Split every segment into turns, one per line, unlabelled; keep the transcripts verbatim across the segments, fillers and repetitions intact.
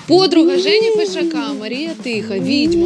Подруга Жені Фишака, Марія Тиха, відьма,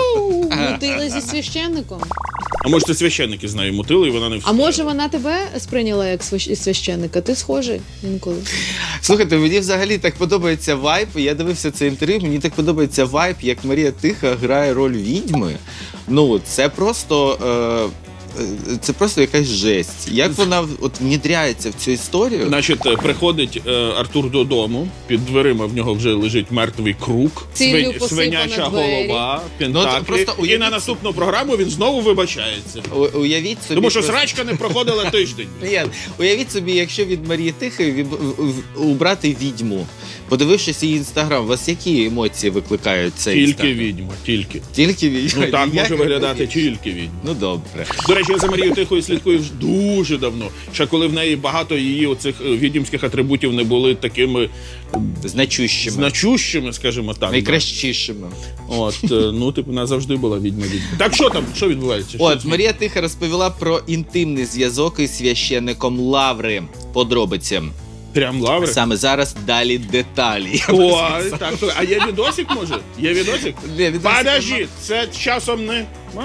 мутила зі священником.
А може це священники з нею мутили, і вона не
А
встигла?
може вона тебе сприйняла як свящ- священника? Ти схожий інколи.
Слухайте, мені взагалі так подобається вайб. Я дивився це інтерв'ю, мені так подобається вайб, як Марія Тиха грає роль відьми. Ну, це просто. Е... Це просто якась жесть. Як вона от внідряється в цю історію?
Значить, е, приходить е, Артур додому, під дверима в нього вже лежить мертвий круг,
Ціллю посипана
свиняча
двері.
голова,
Ну,
пентаклі.
от просто
І
уявіть
на наступну програму він знову вибачається.
У- Уявіть собі.
Тому що
просто-
срачка не проходила тиждень.
Ні, уявіть собі, якщо від Марії Тихої від- в- в- убрати відьму, подивившись її інстаграм, у вас які емоції викликають цей
Тільки
інстаграм?
відьма, тільки.
Тільки відьма?
Ну так може
Ніяких
виглядати
відьм.
тільки відьма.
Ну добре.
До речі, я за Марією Тихою слідкую вже дуже давно. Ще коли в неї багато її оцих е, відьмських атрибутів не були такими
Значущими.
значущими, скажімо так.
Найкращішими.
От, е, ну, типу, вона завжди була відьма-відьма. Так що там? Що відбувається? Що
От,
з-
Марія Тиха розповіла про інтимний зв'язок із священником Лаври. Подробиці.
Прям лаври?
Саме зараз далі деталі.
О, так, то- а є відосик, може? Є відосик?
Ні, відосик
Подожди, це часом не...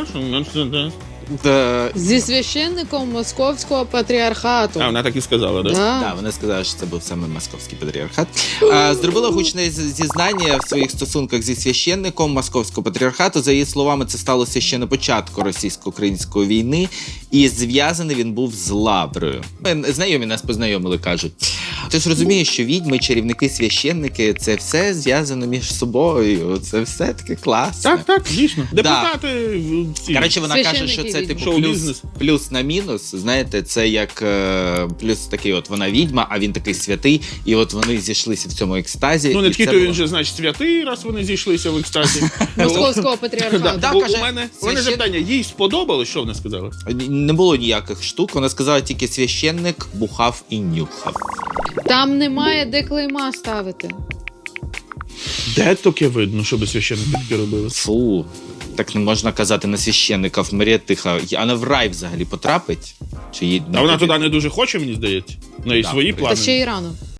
Маша?
Та-
Зі священником московського патріархату.
А, вона так і сказала, так? Да?
Да.
Так, вона сказала, що це був саме московський патріархат. А, зробила гучне з- зізнання в своїх стосунках зі священником московського патріархату. За її словами, це сталося ще на початку російсько-української війни, і зв'язаний він був з Лаврою. Ми- Знайомі нас познайомили, кажуть. Ти ж розумієш, що відьми, чарівники, священники – це все зв'язано між собою. Це все таке класне.
Так, так, дійсно. Депутати всі.
Коротше, вона каже,
Священники
що це
відьми.
типу плюс,
Шоу-бізнес.
плюс на мінус. Знаєте, це як е, плюс такий, от вона відьма, а він такий святий, і от вони зійшлися в цьому екстазі.
Ну, не
і
такий,
це
то
було-
він же, значить, святий, раз вони зійшлися в екстазі.
Московського патріархату.
Да,
Да,
бо
каже,
у мене, у
священ-
мене запитання, їй сподобалось, що вона сказала?
Не було ніяких штук. Вона сказала тільки священник бухав і нюхав.
Там немає де клейма ставити.
Де таке видно, щоб священники таке робили?
Фу, так не можна казати на священників. Марія Тиха, а вона в рай взагалі потрапить? Чи їй
А вона туди не дуже хоче, мені здається. В неї
Да,
свої
та
Та
плани.
ще й рано.